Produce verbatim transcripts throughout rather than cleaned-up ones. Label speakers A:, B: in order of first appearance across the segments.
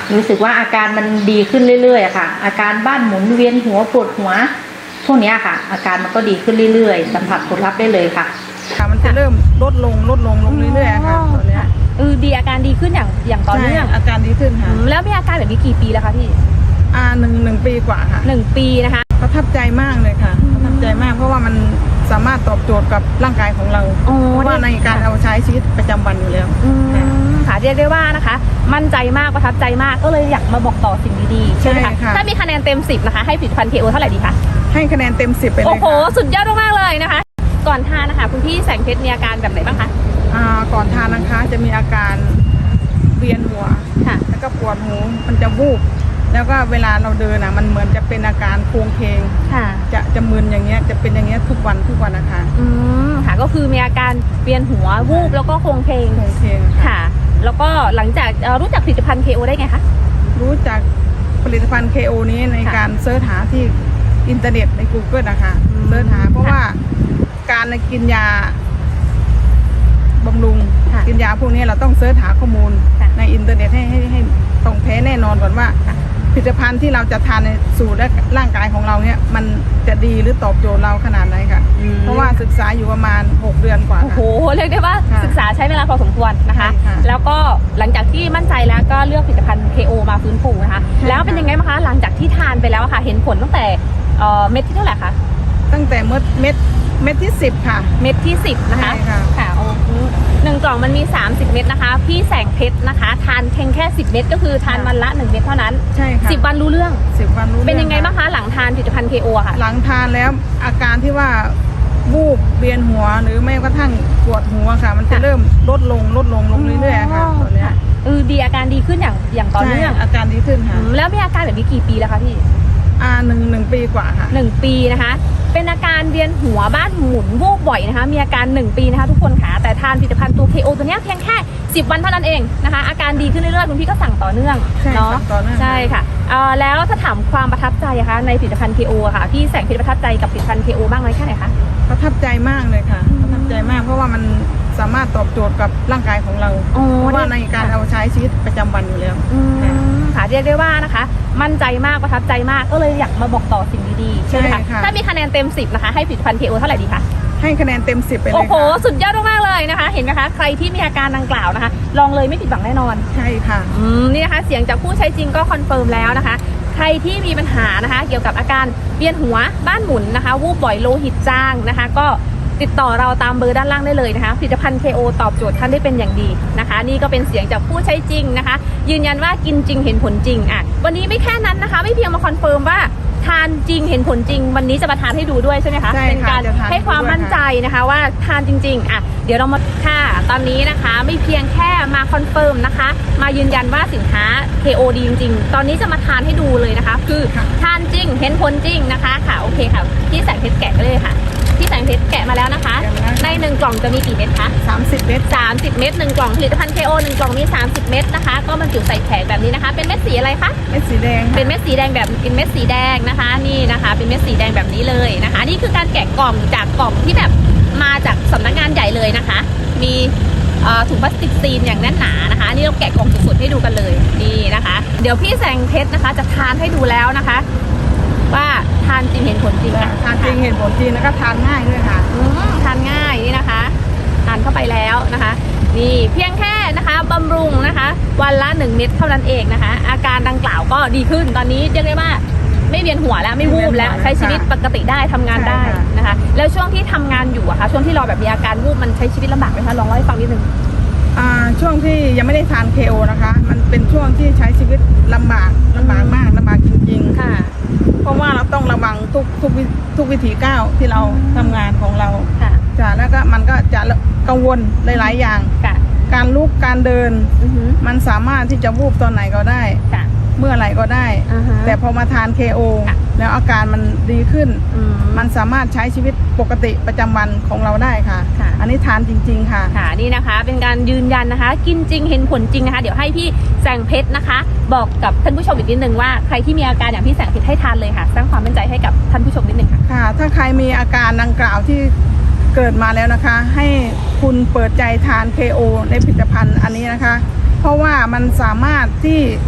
A: รู้สึกว่าอาการมันดีขึ้นเรื่อยๆค่ะอาการบ้านหมุนเวียนหัวปวดหัวพวกนี้ค่ะอาการมันก็ดีขึ้นเรื่อยๆสัมผัสผลลัพธ์ได้เลยค่ะ
B: ค่ะมันจะเริ่มลดลงลดลงลงเรื่อยๆค่ะตอนนี้
C: เออดีอาการดีขึ้นอย่างอย่างต่อเนื่อง
B: อาการดีขึ้นค่ะ
C: แล้วมีอาการแบบนี้กี่ปีแล้วคะพี่
B: อ่าหนึ่งหนึ่งปีกว่าค่ะ
C: หนึ่งปีนะคะ
B: ประทับใจมากเลยค่ะประทับใจมากเพราะว่ามันสามารถตอบโจทย์กับร่างกายของเราเพราะว่าในการเอาใช้ชีวิตประจำวันอยู่แล้ว
C: ค่ะเรียกได้ว่านะคะมั่นใจมากประทับใจมากก็เลยอยากมาบอกต่อสิ่งดีๆใช่ไหมคะถ้ามีคะแนนเต็มสิบนะคะให้ผลิตภัณฑ์ เค โอ เท่าไหร่ดีคะ
B: ให้คะแนนเต็มสิบไปเลยค่ะ
C: โอ้โหสุดยอดมากเลยนะคะก่อนทานนะคะคุณพี่แสงเพชรมีอาการแบบไหนบ้างคะ
B: อ่าก่อนทานนะคะจะมีอาการเวียนหัว
C: ค่ะ
B: แล้วก็ปวดหูมันจะวูบแล้วก็เวลาเราเดินอ่ะมันเหมือนจะเป็นอาการโครงเคง
C: ค่ะ
B: จะจะมึนอย่างเงี้ยจะเป็นอย่างเงี้ยทุกวันทุกวันนะคะ
C: อืมค่ะก็คือมีอาการเวียนหัววูบแล้วก็โครงเคง
B: โครงเคง
C: ค่ะแล้วก็หลังจากรู้จักผลิตภัณฑ์ เค โอ ได้ไงคะ
B: รู้จักผลิตภัณฑ์ เค โอ นี้ในการเสิร์ชหาที่อินเทอร์เน็ตใน Google นะคะเสิร์ชหาเพราะว่าการกินยาบำรุงกินยาพวกนี้เราต้องเสิร์ชหาข้อมูลในอินเทอร์เน็ตให้ให้ให้ตรงแท้แน่นอนก่อนว่าผลิตภัณฑ์ที่เราจะทานในสู่ร่างกายของเราเนี่ยมันจะดีหรือตอบโจทย์เราขนาดไหนค่ะเพราะว่าศึกษาอยู่ประมาณหกเดือนกว่า
C: โอ้โหเรียกได้ว่าศึกษาใช้เวลาพอสมควรนะคะแล้วก็หลังจากที่มั่นใจแล้วก็เลือกผลิตภัณฑ์ เค โอ มาฟื้นฟูนะคะแล้วเป็นยังไงบ้างคะหลังจากที่ทานไปแล้วค่ะเห็นผลตั้งแต่เม็ดที่เท่าไหร่คะ
B: ตั้งแต่เม็ดเม็ดเม็ดที่สิบค่ะ
C: เม็ดที่สิบนะคะค่ะโอ้หนึ่งกล่องมันมีสามสิบเม็ดนะคะพี่แสงเพชรนะคะทานเพียงแค่สิบเม็ดก็คือทานวันละหนึ่งเม็ดเท่านั้น
B: ใช่ค่ะ
C: สิบวันรู้เรื่อง
B: สิบวันรู้เรื่อง
C: เป็นยังไงบ้างคะหลังทานผลิตภัณฑ์ เค โอ ค่ะ
B: หลังทานแล้วอาการที่ว่าวูบเวียนหัวหรือไม่กระทั่งปวดหัวค่ะมันจะเริ่มลดลงลดลงลงเรื่อยๆค่ะตอนนี้
C: เออดีอาการดีขึ้นอย่างอย่างต่อเนื่อง
B: อาการดีขึ้นค่ะ
C: แล้วมีอาการแบบนี้กี่ปีแล้วคะพี่
B: อ่าหนึ่งหนึ่งปีกว่าค่ะ
C: หนึ่งปีนะคะเป็นอาการเวียนหัวบ้านหมุนวูบบ่อยนะคะมีอาการหนึ่งปีนะคะทุกคนค่ะแต่ทานผลิตภัณฑ์ตัว เค โอ ตัวนี้เพียงแค่สิบวันเท่านั้นเองนะคะอาการดีขึ้นเรื่อยๆคุณพี่ก็สั่งต่อเนื่อง
B: เนาะ
C: ใช่ค่ะเอ่อแล้วถ้าถามความประทับใจนะคะในผลิตภัณฑ์ เค โอ ค่ะพี่แสงเพชรประทับใจกับผลิตภัณฑ์ เค โอ บ้างไหมแค่ไหนคะ
B: ประทับใจมากเลยค่ะประทับใจมากเพราะว่ามันสามารถตอบโจทย์กับร่างกายของเราเพราะว่าในการเอาใช้ชีวิตประจำวันอยู่แล้ว
C: ค่ะเรียกได้ว่านะคะมั่นใจมากประทับใจมากก็เลยอยากมาบอกต่อสิ่งดีๆใช่ไหมคะถ้ามีคะแนนเต็มสิบนะคะให้ผลิตภัณฑ์ เค โอ เท่าไหร่ดีคะ
B: ให้คะแนนเต็มสิบไปเลย
C: โอ้โหสุดยอดมากเลยนะคะเห็นไหมคะใครที่มีอาการดังกล่าวนะคะลองเลยไม่ผิดหวังแน่นอน
B: ใช่ค่ะ
C: อืมนี่นะคะเสียงจากผู้ใช้จริงก็คอนเฟิร์มแล้วนะคะใครที่มีปัญหานะคะเกี่ยวกับอาการเวียนหัวบ้านหมุนนะคะวูบบ่อยโลหิตจางนะคะก็ติดต่อเราตามเบอร์ด้านล่างได้เลยนะคะผลิตภัณฑ์ เค โอ ตอบโจทย์ท่านได้เป็นอย่างดีนะคะนี่ก็เป็นเสียงจากผู้ใช้จริงนะคะยืนยันว่ากินจริงเห็นผลจริงอ่ะวันนี้ไม่แค่นั้นนะคะไม่เพียงมาคอนเฟิร์มว่าทานจริงเห็นผลจริงวันนี้จะมาทานให้ดูด้วยใช่ไหมคะเป็นการให้ความมั่นใจนะคะว่าทานจริงๆอ่ะเดี๋ยวเรามาค่ะตอนนี้นะคะไม่เพียงแค่มาคอนเฟิร์มนะคะมายืนยันว่าสินค้า เค โอ ดีจริงๆตอนนี้จะมาทานให้ดูเลยนะคะคือทานจริงเห็นผลจริงนะคะค่ะโอเคค่ะพี่แสงเพชรแกะเลยค่ะพี่แสงเพชรแกะมาแล้วนะคะในหนึ่งกล่องจะมีกี่เม็ดคะ
B: สามสิบเม็ด
C: สามสิบเม็ดหนึ่งกล่องผลิตภัณฑ์ เค โอ หนึ่งกล่องมีสามสิบเม็ดนะคะก็บรรจุใส่แผงแบบนี้นะคะเป็นเม็ดสีอะไรคะ
B: เม็ดสีแดง
C: เป็นเม็ดสีแดงแบบเป็นเม็ดสีแดงนะคะนี่นะคะเป็นเม็ดสีแดงแบบนี้เลยนะคะนี่คือการแกะกล่องจากกล่องที่แบบมาจากสำนักงานใหญ่เลยนะคะมีถุงพลาสติกซีนอย่างแน่นหนานะคะนี่เราแกะกล่องสดๆให้ดูกันเลยนี่นะคะเดี๋ยวพี่แสงเพชรนะคะจะทานให้ดูแล้วนะคะว่าทานจริงเห็นผลจริง
B: ทานจริงเห็นผลจริงแล้วก็ทานง่ายด้วยค่ะ
C: ทานง่ายนี่นะคะทานเข้าไปแล้วนะคะนี่เพียงแค่นะคะบำรุงนะคะวันละหนึ่งเม็ดเท่านั้นเองนะคะอาการดังกล่าวก็ดีขึ้นตอนนี้เรียกได้ว่าไม่เวียนหัวแล้วไม่วูบแล้วใช้ชีวิตปกติได้ทำงานได้นะคะแล้วช่วงที่ทำงานอยู่อะคะช่วงที่เราแบบมีอาการวูบมันใช้ชีวิตลำบากไหมคะลองเล่าให้ฟังนิดนึง
B: ช่วงที่ยังไม่ได้ทาน เค โอ นะคะมันเป็นช่วงที่ใช้ชีวิตลำบากลำบากมากลำบากจริงๆ
C: ค่ะ
B: เพราะว่าเราต้องระวังทุกทุกทุกวิถีก้าวที่เราทำงานของเรา
C: ค่ะ
B: จ้ะแล้วก็มันก็จะกังวลหลายๆอย่างการลุกการเดินมันสามารถที่จะวูบตอนไหนก็ได้เมื่อไหร่ก็ได้แต่พอมาทาน เค โอ แล้วอาการมันดีขึ้นมันสามารถใช้ชีวิตปกติประจำวันของเราได้ค่ะอันนี้ทานจริงๆค่ะ
C: ค่ะนี่นะคะเป็นการยืนยันนะคะกินจริงเห็นผลจริงนะคะเดี๋ยวให้พี่แสงเพชรนะคะบอกกับท่านผู้ชมอีกนิดนึงว่าใครที่มีอาการอย่างพี่แสงเพชรให้ทานเลยค่ะสร้างความมั่นใจให้กับท่านผู้ชมนิดนึงค่ะ
B: ค่ะถ้าใครมีอาการดังกล่าวที่เกิดมาแล้วนะคะให้คุณเปิดใจทาน เค โอ ในผลิตภัณฑ์อันนี้นะคะเพราะว่ามันสามารถที่ช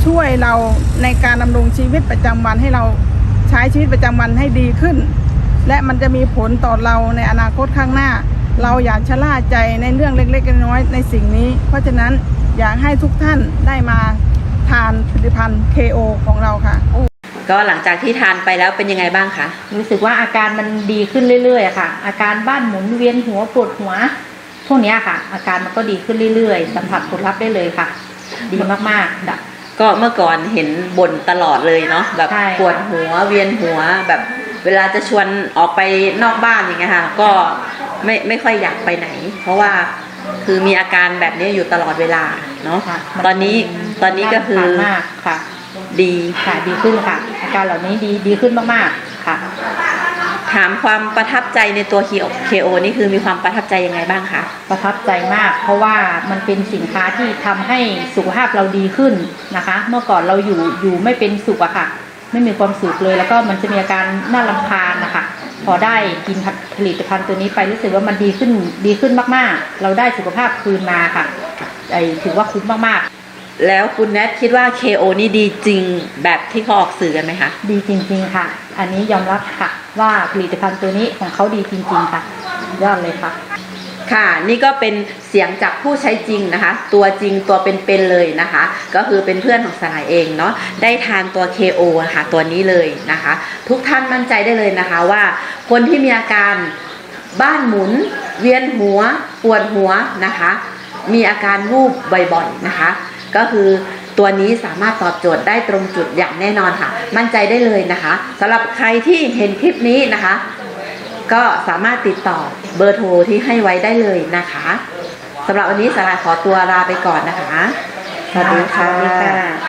B: ช่วยเราในการดำรงชีวิตประจำวันให้เราใช้ชีวิตประจำวันให้ดีขึ้น และมันจะมีผลต่อเราในอนาคตข้างหน้า เราอยากชะล่าใจในเรื่องเล็กๆน้อยๆในสิ่งนี้ เพราะฉะนั้นอยากให้ทุกท่านได้มาทานผลิตภัณฑ์ เค โอ ของเราค่ะ
D: ก็หลังจากที่ทานไปแล้วเป็นยังไงบ้างคะ
A: รู้สึกว่าอาการมันดีขึ้นเรื่อยๆอะค่ะ อาการบ้านหมุนเวียนหัวปวดหัวพวกเนี้ยค่ะ อาการมันก็ดีขึ้นเรื่อยๆสัมผัสผลลัพธ์ได้เลยค่ะ ดีมากๆดับ
D: ก็เมื่อก่อนเห็นบ่นตลอดเลยเนาะแบบ
A: ใช่
D: ปวดหัวเวียนหัวแบบเวลาจะชวนออกไปนอกบ้านอย่างเงี้ยค่ะก็ไม่ไม่ค่อยอยากไปไหน เพราะว่าคือมีอาการแบบนี้อยู่ตลอดเวลาเนาะ
A: ค่ะมั
D: ตอนนี้ตอนนี้ก็คือ
A: น่ารำคาญมากค่ะ
D: ดี
A: ค่ะดีขึ้นค่ะ อาการเหล่านี้ดีดีขึ้นมากๆค่ะ
D: ถามความประทับใจในตัว เค โอ นี่คือมีความประทับใจยังไงบ้างคะ
A: ประทับใจมาก เพราะว่ามันเป็นสินค้าที่ทำให้สุขภาพเราดีขึ้นนะคะ เมื่อก่อนเราอยู่อยู่ไม่เป็นสุขอะค่ะ ไม่มีความสุขเลย แล้วก็มันจะมีอาการน่ารำคาญนะคะ พอได้กินผลิตภัณฑ์ตัวนี้ไปรู้สึกว่ามันดีขึ้นดีขึ้นมากๆ เราได้สุขภาพคืนมาค่ะไอถือว่าคุ้มมากๆ
D: แล้วคุณแนทคิดว่า เค โอ นี่ดีจริงแบบที่เขาออกสื่อกันไหมคะ
A: ดีจริงๆค่ะ อันนี้ยอมรับค่ะว่าผลิตภัณฑ์ตัวนี้ของเขาดีจริงๆค่ะ ยอดเลยค่ะ
D: ค่ะนี่ก็เป็นเสียงจากผู้ใช้จริงนะคะ ตัวจริงตัวเป็นๆเลยนะคะ ก็คือเป็นเพื่อนของสลายเองเนาะได้ทานตัว เค โอ นะคะตัวนี้เลยนะคะ ทุกท่านมั่นใจได้เลยนะคะว่าคนที่มีอาการบ้านหมุน เวียนหัวปวดหัวนะคะ มีอาการวูบบ่อยๆนะคะ ก็คือตัวนี้สามารถตอบโจทย์ได้ตรงจุดอย่างแน่นอนค่ะ มั่นใจได้เลยนะคะสำหรับใครที่เห็นคลิปนี้นะคะ ก็สามารถติดต่อเบอร์โทรที่ให้ไว้ได้เลยนะคะสำหรับวันนี้สลายขอตัวลาไปก่อนนะคะ สวัสดีค่ะ